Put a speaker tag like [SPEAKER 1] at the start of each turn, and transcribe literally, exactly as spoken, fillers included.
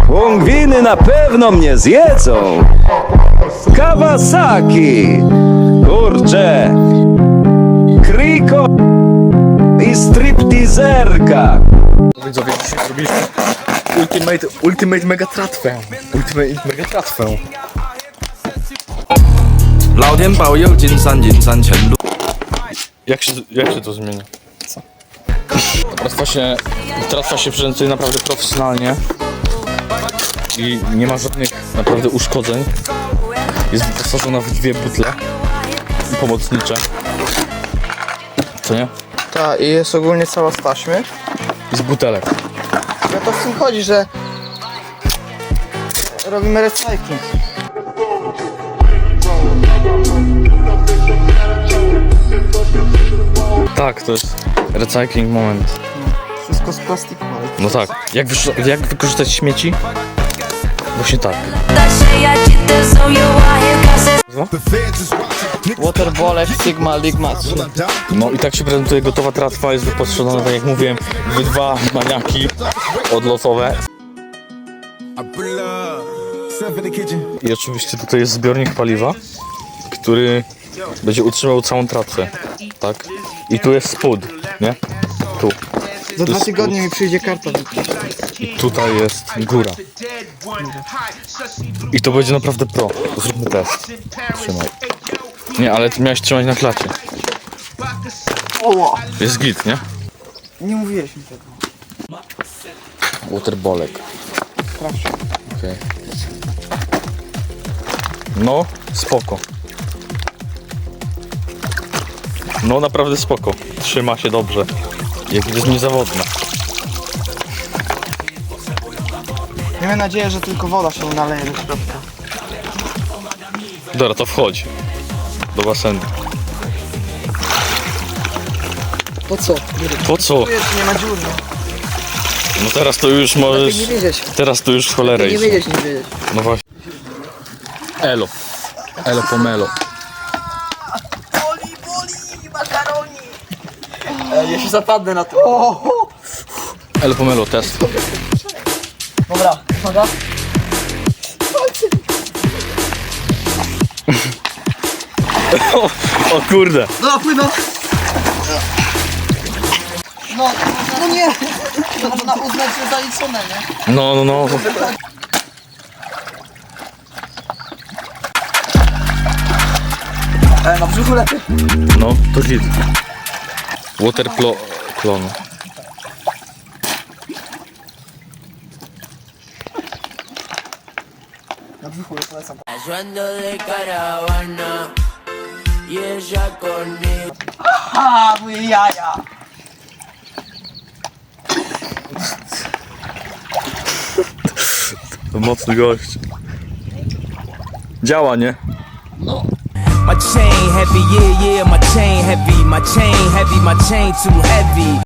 [SPEAKER 1] Pingwiny na pewno mnie zjedzą. Kawasaki. Kurczę. Kriko i stripteaserka.
[SPEAKER 2] Widzowie, dzisiaj zrobiliśmy Ultimate, Ultimate Mega Tratwę. Ultimate Mega Tratwę.
[SPEAKER 3] 老天保佑，金山银山前路。
[SPEAKER 2] Jak się, jak się to zmienia? Co? Tratwa się, tratwa się prezentuje naprawdę profesjonalnie. I nie ma żadnych naprawdę uszkodzeń. Jest wyposażona w dwie butle pomocnicze. Co nie?
[SPEAKER 4] Tak, i jest ogólnie cała z taśmy.
[SPEAKER 2] I z butelek.
[SPEAKER 4] No to w tym chodzi, że robimy recycling.
[SPEAKER 2] Tak, to jest recycling moment.
[SPEAKER 4] Wszystko z plastiku.
[SPEAKER 2] No tak. Jak, wysz- jak wykorzystać śmieci? Właśnie tak.
[SPEAKER 4] Waterbolek Sigma Ligma trzy.
[SPEAKER 2] No i tak się prezentuje gotowa tratwa, jest wyposażona, tak jak mówiłem, w dwa maniaki odlotowe. I oczywiście tutaj jest zbiornik paliwa, który będzie utrzymał całą tratwę, tak? I tu jest spód, nie? Tu.
[SPEAKER 4] Za dwa
[SPEAKER 2] jest
[SPEAKER 4] tygodnie mi przyjdzie karta.
[SPEAKER 2] I tutaj jest góra. I to będzie naprawdę pro. Zróbmy test. Trzymaj. Nie, ale ty miałeś trzymać na klacie.
[SPEAKER 4] O!
[SPEAKER 2] Jest git, nie?
[SPEAKER 4] Nie mówiłeś mi tego.
[SPEAKER 2] Waterbolek.
[SPEAKER 4] Proszę.
[SPEAKER 2] Okay. No, spoko. No, naprawdę spoko. Trzyma się dobrze. Jak jest niezawodna.
[SPEAKER 4] Miejmy nadzieję, że tylko woda się nie naleje do środka.
[SPEAKER 2] Dobra, to wchodź. Do basenu.
[SPEAKER 4] Po co?
[SPEAKER 2] Po co?
[SPEAKER 4] Tu jest, nie ma dziur.
[SPEAKER 2] No teraz to już możesz...
[SPEAKER 4] Nie wiedzieć.
[SPEAKER 2] Teraz to już w cholerę
[SPEAKER 4] Nie
[SPEAKER 2] iść.
[SPEAKER 4] wiedzieć, nie wiedzieć.
[SPEAKER 2] No właśnie. Elo. Elo pomelo.
[SPEAKER 4] Boli, boli, makaroni. E, ja się zapadnę na to. O, o.
[SPEAKER 2] Elo pomelo, test.
[SPEAKER 4] Dobra, uwaga.
[SPEAKER 2] O, o kurde.
[SPEAKER 4] No, płynę. No, no nie. To można uznać, że zaliczone, nie?
[SPEAKER 2] No, no, no.
[SPEAKER 4] E, na brzuchu lepiej.
[SPEAKER 2] No, to git. Waterplo... klon.
[SPEAKER 4] Na brzuchu polecam.
[SPEAKER 5] Ando de caravana y ella conmigo.
[SPEAKER 4] A, moje jaja.
[SPEAKER 2] To mocny gość. Działa, nie?
[SPEAKER 5] My chain heavy, yeah, yeah, my chain heavy, my chain heavy, my chain too heavy.